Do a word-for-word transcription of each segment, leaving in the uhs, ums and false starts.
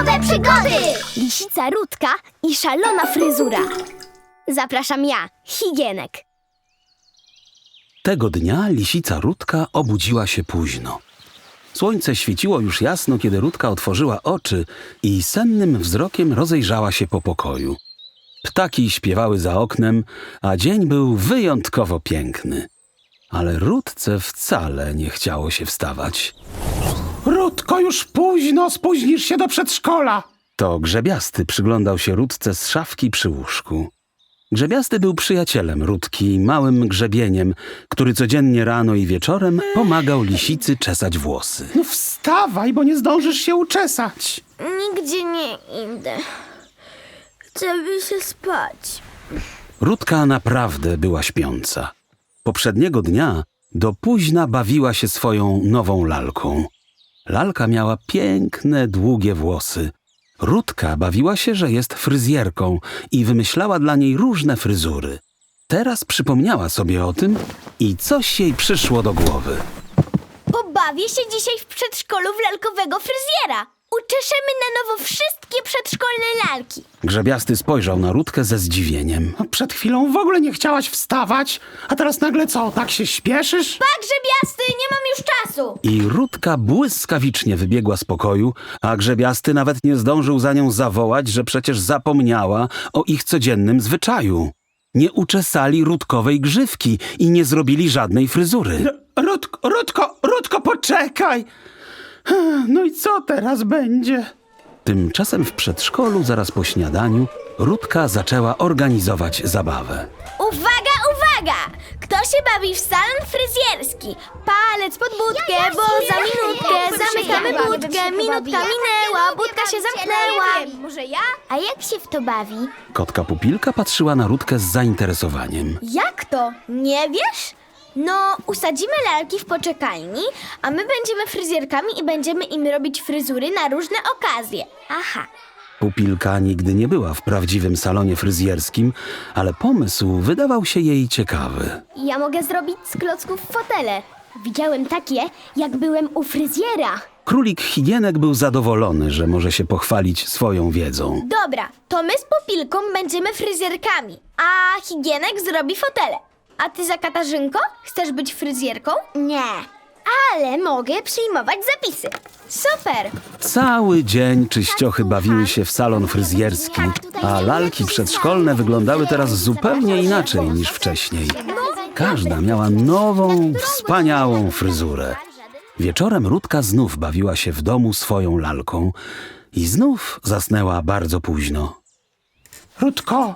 Lalkowe przygody! Lisica Rutka i szalona fryzura. Zapraszam ja, Higienek. Tego dnia lisica Rutka obudziła się późno. Słońce świeciło już jasno, kiedy Rutka otworzyła oczy i sennym wzrokiem rozejrzała się po pokoju. Ptaki śpiewały za oknem, a dzień był wyjątkowo piękny. Ale Rutce wcale nie chciało się wstawać. Rutko, już późno, spóźnisz się do przedszkola. To Grzebiasty przyglądał się Rutce z szafki przy łóżku. Grzebiasty był przyjacielem Rutki, małym grzebieniem, który codziennie rano i wieczorem pomagał lisicy czesać włosy. No wstawaj, bo nie zdążysz się uczesać. Nigdzie nie idę. Chcę się spać. Rutka naprawdę była śpiąca. Poprzedniego dnia do późna bawiła się swoją nową lalką. Lalka miała piękne, długie włosy. Rutka bawiła się, że jest fryzjerką i wymyślała dla niej różne fryzury. Teraz przypomniała sobie o tym i coś jej przyszło do głowy. Pobawię się dzisiaj w przedszkolu w lalkowego fryzjera. Uczeszemy na nowo wszystkie przedszkolne lalki. Grzebiasty spojrzał na Rutkę ze zdziwieniem. No, przed chwilą w ogóle nie chciałaś wstawać, a teraz nagle co, tak się śpieszysz? Pa, Grzebiasty, nie mam już czasu. I Rutka błyskawicznie wybiegła z pokoju, a Grzebiasty nawet nie zdążył za nią zawołać, że przecież zapomniała o ich codziennym zwyczaju. Nie uczesali Rutkowej grzywki i nie zrobili żadnej fryzury. Rutko, Rutko, Rutko, poczekaj! No i co teraz będzie? Tymczasem w przedszkolu, zaraz po śniadaniu, Rutka zaczęła organizować zabawę. Uwaga, uwaga! Kto się bawi w salon fryzjerski? Palec pod budkę, Ja, ja bo się za nie minutkę bawię. zamykamy Ja budkę. się Minutka bawię. Ja minęła, nie budka lubię się bawić się, zamknęła. ale nie wiem, może ja? A jak się w to bawi? Kotka Pupilka patrzyła na Rutkę z zainteresowaniem. Jak to? Nie wiesz? No, usadzimy lalki w poczekalni, a my będziemy fryzjerkami i będziemy im robić fryzury na różne okazje. Aha. Pupilka nigdy nie była w prawdziwym salonie fryzjerskim, ale pomysł wydawał się jej ciekawy. Ja mogę zrobić z klocków fotele. Widziałem takie, jak byłem u fryzjera. Królik Higienek był zadowolony, że może się pochwalić swoją wiedzą. Dobra, to my z Pupilką będziemy fryzjerkami, a Higienek zrobi fotele. A ty za Katarzynko? Chcesz być fryzjerką? Nie, ale mogę przyjmować zapisy. Super! Cały dzień czyściochy bawiły się w salon fryzjerski, a lalki przedszkolne wyglądały teraz zupełnie inaczej niż wcześniej. Każda miała nową, wspaniałą fryzurę. Wieczorem Rutka znów bawiła się w domu swoją lalką i znów zasnęła bardzo późno. Rutko,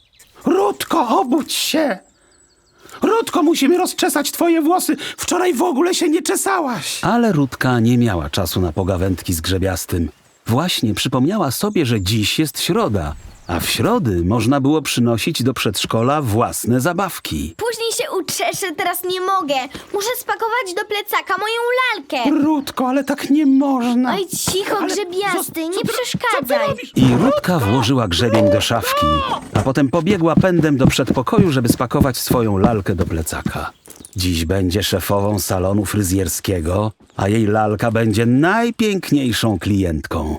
Rutko, obudź się! Rutko, musimy rozczesać twoje włosy. Wczoraj w ogóle się nie czesałaś. Ale Rutka nie miała czasu na pogawędki z Grzebiastym. Właśnie przypomniała sobie, że dziś jest środa, a w środy można było przynosić do przedszkola własne zabawki. Później się uczeszę, teraz nie mogę. Muszę spakować do plecaka moją lalkę. Rutko, ale tak nie można. Oj, cicho, Ale Grzebiasty, co- nie co ty- przeszkadzaj. co ty robisz? I Rutka włożyła grzebień do szafki, a potem pobiegła pędem do przedpokoju, żeby spakować swoją lalkę do plecaka. Dziś będzie szefową salonu fryzjerskiego, a jej lalka będzie najpiękniejszą klientką.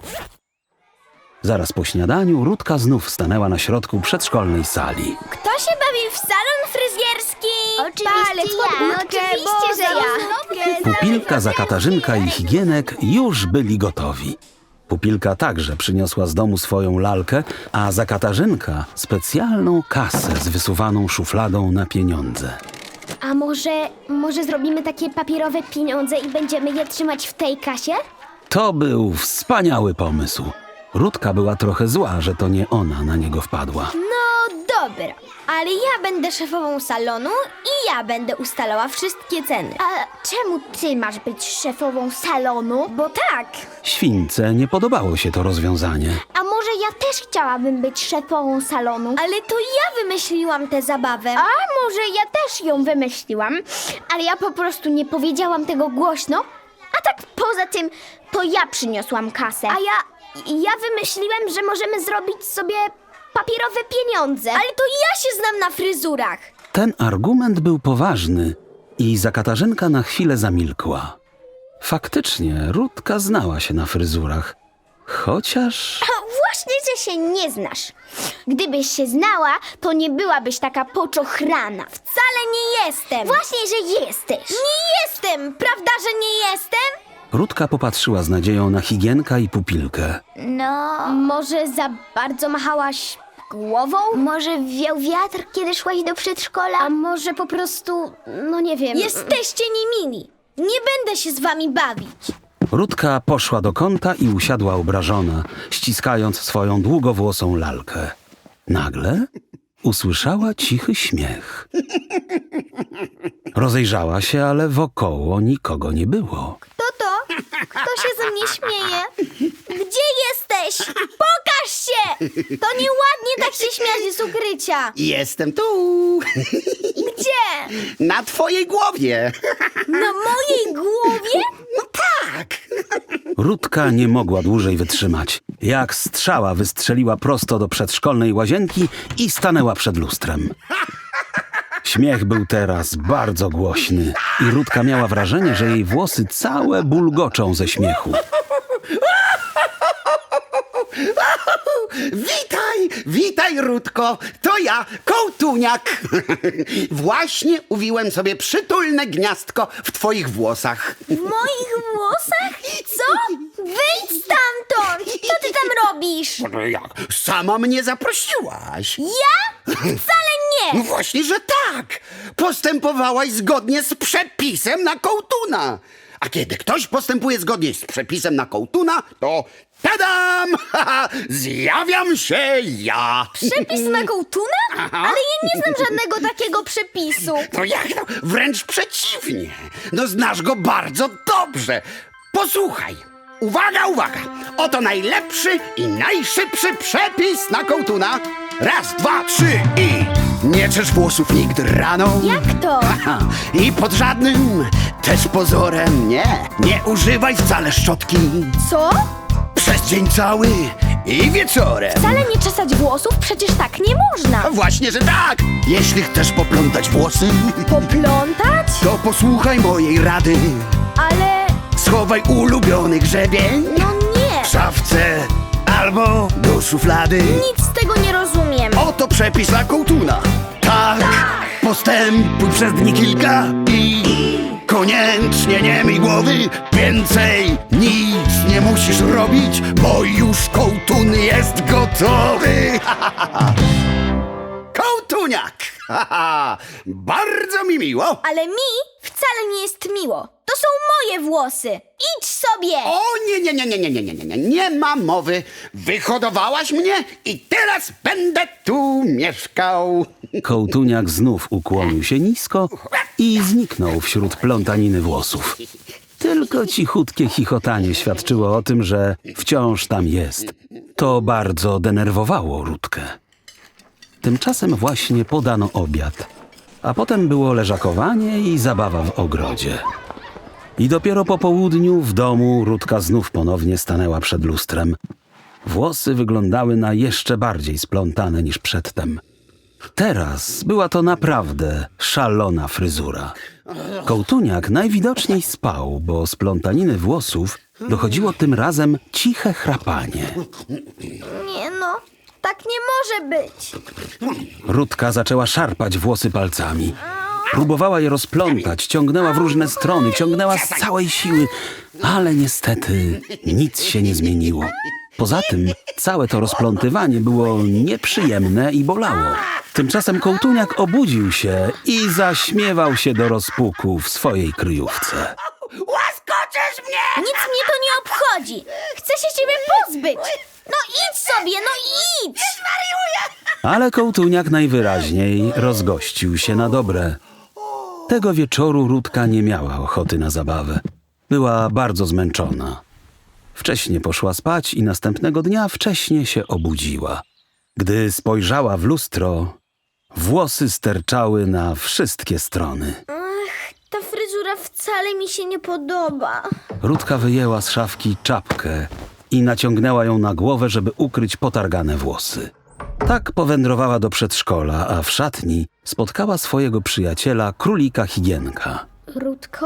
Zaraz po śniadaniu Rutka znów stanęła na środku przedszkolnej sali. Kto się bawi w salon fryzjerski? Oczywiście Palec ja. pod budkę, Oczywiście, bo że ja. za minutkę Pupilka, Zakatarzyńka i Higienek już byli gotowi. Pupilka także przyniosła z domu swoją lalkę, a Zakatarzynka specjalną kasę z wysuwaną szufladą na pieniądze. A może, może zrobimy takie papierowe pieniądze i będziemy je trzymać w tej kasie? To był wspaniały pomysł. Rutka była trochę zła, że to nie ona na niego wpadła. No dobra, ale ja będę szefową salonu i ja będę ustalała wszystkie ceny. A czemu ty masz być szefową salonu? Bo tak, Śwince nie podobało się to rozwiązanie. A może ja też chciałabym być szefową salonu? ale to ja wymyśliłam tę zabawę. A może ja też ją wymyśliłam, ale ja po prostu nie powiedziałam tego głośno. A tak poza tym, to ja przyniosłam kasę. A ja, ja wymyśliłem, że możemy zrobić sobie papierowe pieniądze. Ale to ja się znam na fryzurach. Ten argument był poważny i Zakatarzynka na chwilę zamilkła. Faktycznie, Rutka znała się na fryzurach, Chociaż... A właśnie, że się nie znasz. Gdybyś się znała, to nie byłabyś taka poczochrana. Wcale nie jestem. Właśnie, że jesteś. Nie jestem. Prawda, że nie jestem? Rutka popatrzyła z nadzieją na Higienka i Pupilkę. No, Może za bardzo machałaś głową? może wiał wiatr, kiedy szłaś do przedszkola? A może po prostu, no nie wiem. Jesteście niemili. Nie będę się z wami bawić. Rutka poszła do kąta i usiadła obrażona, ściskając swoją długowłosą lalkę. Nagle usłyszała cichy śmiech. Rozejrzała się, ale wokoło nikogo nie było. Kto to? Kto się ze mnie śmieje? Gdzie jesteś? Pokaż się! To nieładnie tak się śmiać z ukrycia. Jestem tu, Gdzie? na twojej głowie. Na mojej głowie? No tak. Rutka nie mogła dłużej wytrzymać. Jak strzała wystrzeliła prosto do przedszkolnej łazienki i stanęła przed lustrem. Śmiech był teraz bardzo głośny i Rutka miała wrażenie, że jej włosy całe bulgoczą ze śmiechu. Witaj, witaj, Rutko. To ja, Kołtuniak. Właśnie uwiłem sobie przytulne gniazdko w twoich włosach. W moich włosach? Co? Wyjdź stamtąd! Co ty tam robisz? Jak? Sama mnie zaprosiłaś. Ja? Wcale No nie! właśnie, że tak. Postępowałaś zgodnie z przepisem na kołtuna. A kiedy ktoś postępuje zgodnie z przepisem na kołtuna, to tadam! Zjawiam się ja. Przepis na kołtuna? Ale ja nie znam żadnego takiego przepisu. No jak to? Wręcz przeciwnie. No znasz go bardzo dobrze. Posłuchaj. Uwaga, uwaga. Oto najlepszy i najszybszy przepis na kołtuna. Raz, dwa, trzy i... Nie czesz włosów nigdy rano. Jak to? Aha. I pod żadnym też pozorem nie. Nie używaj wcale szczotki. Co? Przez dzień cały i wieczorem. Wcale nie czesać włosów? Przecież tak nie można. A właśnie, że tak. Jeśli chcesz poplątać włosy, Poplątać? to posłuchaj mojej rady. Ale... Schowaj ulubiony grzebień no nie. w szafce albo do szuflady. Nic z tego nie rozumiem. Oto przepis na kołtuna. Tak, postępuj przez dni kilka i koniecznie nie myj głowy. Więcej nic nie musisz robić, bo już kołtun jest gotowy. Kołtuniak! Bardzo mi miło. Ale mi wcale nie jest miło. To są moje włosy. Idź sobie! O nie, nie, nie, nie, nie, nie, nie, nie, nie, nie ma mowy. Wyhodowałaś mnie i teraz będę tu mieszkał. Kołtuniak znów ukłonił się nisko i zniknął wśród plątaniny włosów. Tylko cichutkie chichotanie świadczyło o tym, że wciąż tam jest. To bardzo denerwowało Rutkę. Tymczasem właśnie podano obiad, a potem było leżakowanie i zabawa w ogrodzie. I dopiero po południu w domu Rutka znów ponownie stanęła przed lustrem. Włosy wyglądały na jeszcze bardziej splątane niż przedtem. Teraz była to naprawdę szalona fryzura. Kołtuniak najwidoczniej spał, bo z plątaniny włosów dochodziło tym razem ciche chrapanie. Nie no, tak nie może być. Rutka zaczęła szarpać włosy palcami. Próbowała je rozplątać, ciągnęła w różne strony, ciągnęła z całej siły, ale niestety nic się nie zmieniło. Poza tym całe to rozplątywanie było nieprzyjemne i bolało. Tymczasem Kołtuniak obudził się i zaśmiewał się do rozpuku w swojej kryjówce. Łaskoczysz mnie! Nic mnie to nie obchodzi. Chcę się ciebie pozbyć. No idź sobie, no idź! Ale Kołtuniak najwyraźniej rozgościł się na dobre. Tego wieczoru Rutka nie miała ochoty na zabawę. Była bardzo zmęczona. Wcześnie poszła spać i następnego dnia wcześnie się obudziła. Gdy spojrzała w lustro, włosy sterczały na wszystkie strony. Ta fryzura wcale mi się nie podoba. Rutka wyjęła z szafki czapkę i naciągnęła ją na głowę, żeby ukryć potargane włosy. Tak powędrowała do przedszkola, a w szatni spotkała swojego przyjaciela, królika Higienka. Rutko, czy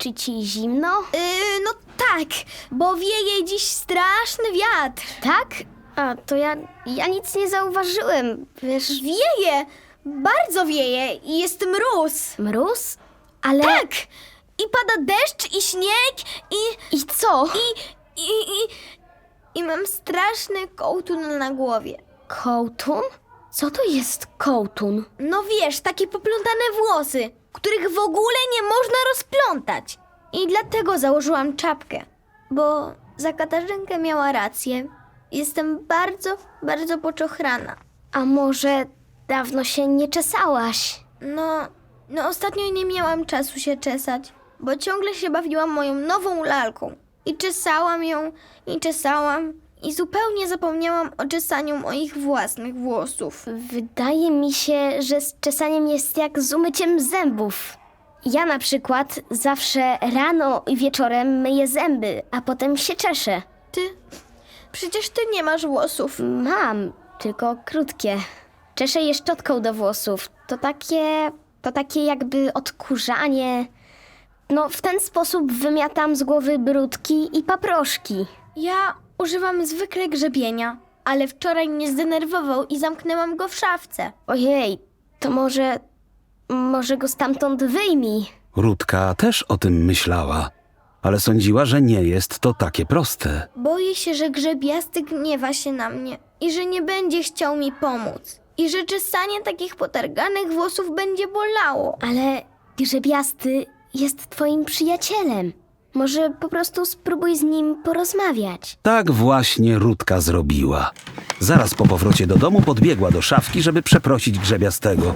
czy ci zimno? Yy, no tak, bo wieje dziś straszny wiatr. Tak? A, to ja, ja nic nie zauważyłem, wiesz... Wieje, bardzo wieje i jest mróz. Mróz? Ale... Tak, i pada deszcz i śnieg i... I co? I, i, i, i mam straszny kołtun na głowie. Kołtun? Co to jest kołtun? No wiesz, takie poplątane włosy, których w ogóle nie można rozplątać. I dlatego założyłam czapkę, bo za Katarzynkę miała rację. Jestem bardzo, bardzo poczochrana. A może dawno się nie czesałaś? No, no ostatnio nie miałam czasu się czesać, bo ciągle się bawiłam moją nową lalką. I czesałam ją, i czesałam, i zupełnie zapomniałam o czesaniu moich własnych włosów. Wydaje mi się, że z czesaniem jest jak z umyciem zębów. Ja na przykład zawsze rano i wieczorem myję zęby, a potem się czeszę. Ty, przecież ty nie masz włosów. Mam, tylko krótkie. Czeszę je szczotką do włosów. To takie... to takie jakby odkurzanie. No, w ten sposób wymiatam z głowy brudki i paproszki. Ja używam zwykle grzebienia, ale wczoraj mnie zdenerwował i zamknęłam go w szafce. Ojej, to może... może go stamtąd wyjmij. Rutka też o tym myślała, ale sądziła, że nie jest to takie proste. Boję się, że grzebiasty gniewa się na mnie i że nie będzie chciał mi pomóc. I że czesanie takich potarganych włosów będzie bolało. Ale grzebiasty jest twoim przyjacielem. Może po prostu spróbuj z nim porozmawiać. Tak właśnie Rutka zrobiła. Zaraz po powrocie do domu podbiegła do szafki, żeby przeprosić grzebiastego.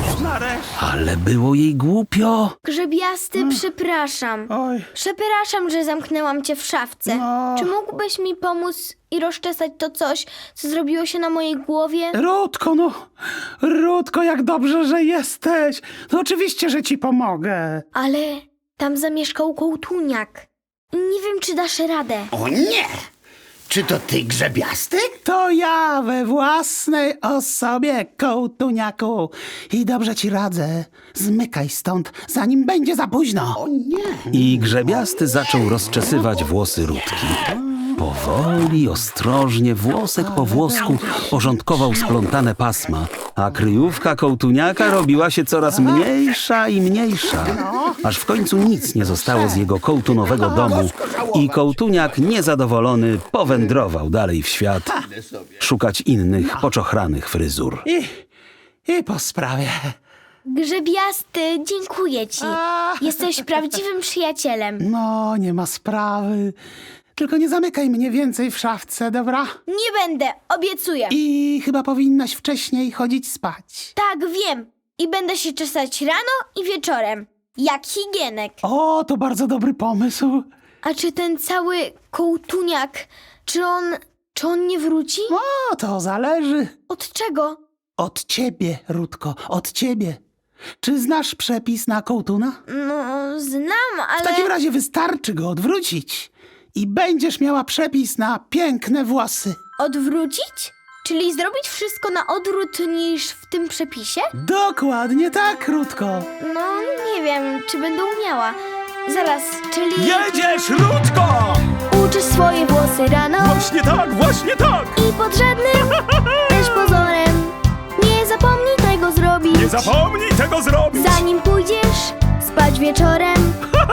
Ale było jej głupio. Grzebiasty, przepraszam. Oj, Przepraszam, że zamknęłam cię w szafce. No. Czy mógłbyś mi pomóc i rozczesać to coś, co zrobiło się na mojej głowie? Rutko, no. Rutko, jak dobrze, że jesteś. No oczywiście, że ci pomogę. Ale tam zamieszkał kołtuniak. Nie wiem, czy dasz radę. O nie! Czy to ty, grzebiasty? To ja we własnej osobie, kołtuniaku. I dobrze ci radzę. Zmykaj stąd, zanim będzie za późno. O nie! I grzebiasty zaczął rozczesywać włosy Rutki. Powoli, ostrożnie, włosek po włosku porządkował splątane pasma, a kryjówka kołtuniaka robiła się coraz mniejsza i mniejsza, aż w końcu nic nie zostało z jego kołtunowego domu i kołtuniak niezadowolony powędrował dalej w świat szukać innych poczochranych fryzur. I, i po sprawie. Grzebiasty, dziękuję ci. Jesteś prawdziwym przyjacielem. No, nie ma sprawy. Tylko nie zamykaj mnie więcej w szafce, dobra? Nie będę, obiecuję. I chyba powinnaś wcześniej chodzić spać. Tak, wiem. I będę się czesać rano i wieczorem. Jak higienek. O, to bardzo dobry pomysł. A czy ten cały kołtuniak, czy on, czy on nie wróci? O, to zależy. Od czego? Od ciebie, Rutko, od ciebie. Czy znasz przepis na kołtuna? No, znam, ale... W takim razie wystarczy go odwrócić i będziesz miała przepis na piękne włosy. Odwrócić? Czyli zrobić wszystko na odwrót niż w tym przepisie? Dokładnie tak, Rutko. No, nie wiem, czy będę umiała. Zaraz, czyli... Jedziesz, Rutko! Uczysz swoje włosy rano Właśnie tak, właśnie tak! i pod żadnym też pozorem nie zapomnij tego zrobić. Nie zapomnij tego zrobić! Zanim pójdziesz spać wieczorem,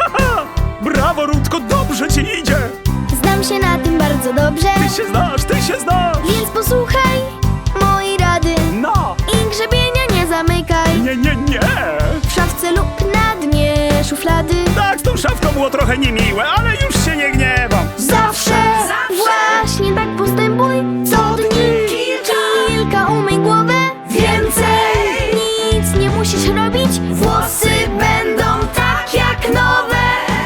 Brawo, Rutko, dobrze ci idzie! znam się na tym bardzo dobrze, Ty się znasz, ty się znasz! więc posłuchaj mojej rady No! i grzebienia nie zamykaj Nie, nie, nie! w szafce lub na dnie szuflady. Tak, z tą szafką było trochę niemiłe, ale już się nie gniewam! Zawsze, właśnie tak postępuj. Co dni kilka umyj głowę. Więcej nic nie musisz robić. Włosy będą tak jak nowe.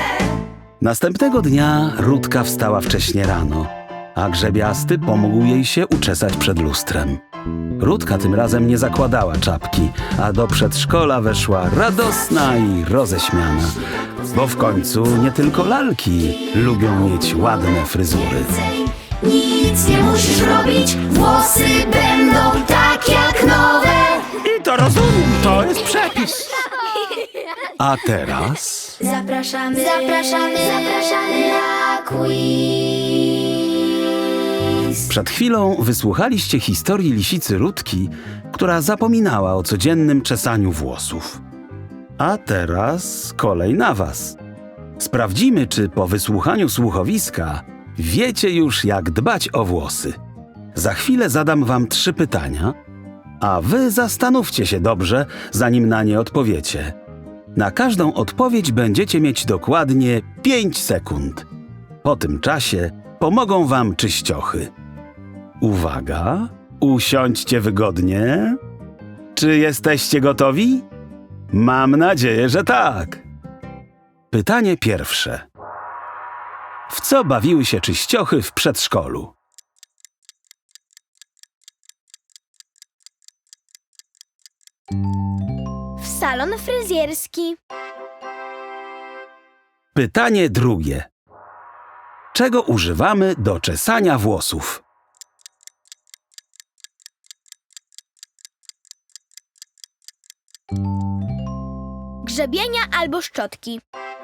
Następnego dnia Rutka wstała wcześnie rano, a grzebiasty pomógł jej się uczesać przed lustrem. Rutka tym razem nie zakładała czapki, a do przedszkola weszła radosna i roześmiana, bo w końcu nie tylko lalki lubią mieć ładne fryzury. Nic nie musisz robić. Włosy będą tak jak nowe. I to rozumiem, to jest przepis. A teraz... zapraszamy, zapraszamy, zapraszamy na quiz. Przed chwilą wysłuchaliście historii lisicy Rutki, która zapominała o codziennym czesaniu włosów. A teraz kolej na was. Sprawdzimy, czy po wysłuchaniu słuchowiska wiecie już, jak dbać o włosy. Za chwilę zadam wam trzy pytania, a wy zastanówcie się dobrze, zanim na nie odpowiecie. Na każdą odpowiedź będziecie mieć dokładnie pięć sekund. Po tym czasie pomogą wam czyściochy. Uwaga, usiądźcie wygodnie. Czy jesteście gotowi? Mam nadzieję, że tak. Pytanie pierwsze. W co bawiły się czyściochy w przedszkolu? W salon fryzjerski. Pytanie drugie. Czego używamy do czesania włosów? Grzebienia albo szczotki.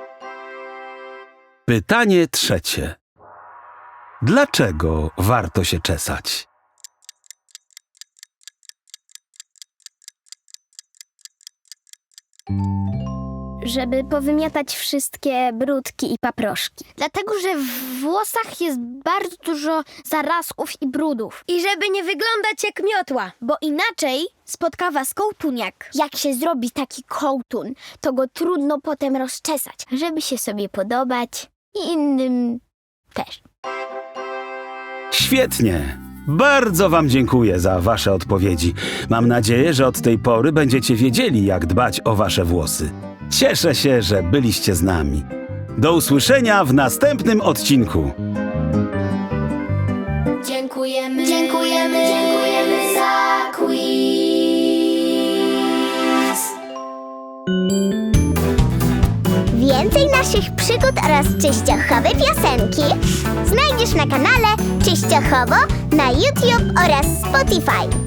Pytanie trzecie. Dlaczego warto się czesać? Żeby powymiatać wszystkie brudki i paproszki. Dlatego, że w włosach jest bardzo dużo zarazków i brudów. I żeby nie wyglądać jak miotła, bo inaczej spotka was kołtuniak. Jak się zrobi taki kołtun, to go trudno potem rozczesać, żeby się sobie podobać i innym też. Świetnie! Bardzo wam dziękuję za wasze odpowiedzi. Mam nadzieję, że od tej pory będziecie wiedzieli, jak dbać o wasze włosy. Cieszę się, że byliście z nami. Do usłyszenia w następnym odcinku. Dziękujemy, dziękujemy, dziękujemy za quiz. Więcej naszych przygód oraz czyściochowe piosenki znajdziesz na kanale Czyściochowo na YouTube oraz Spotify.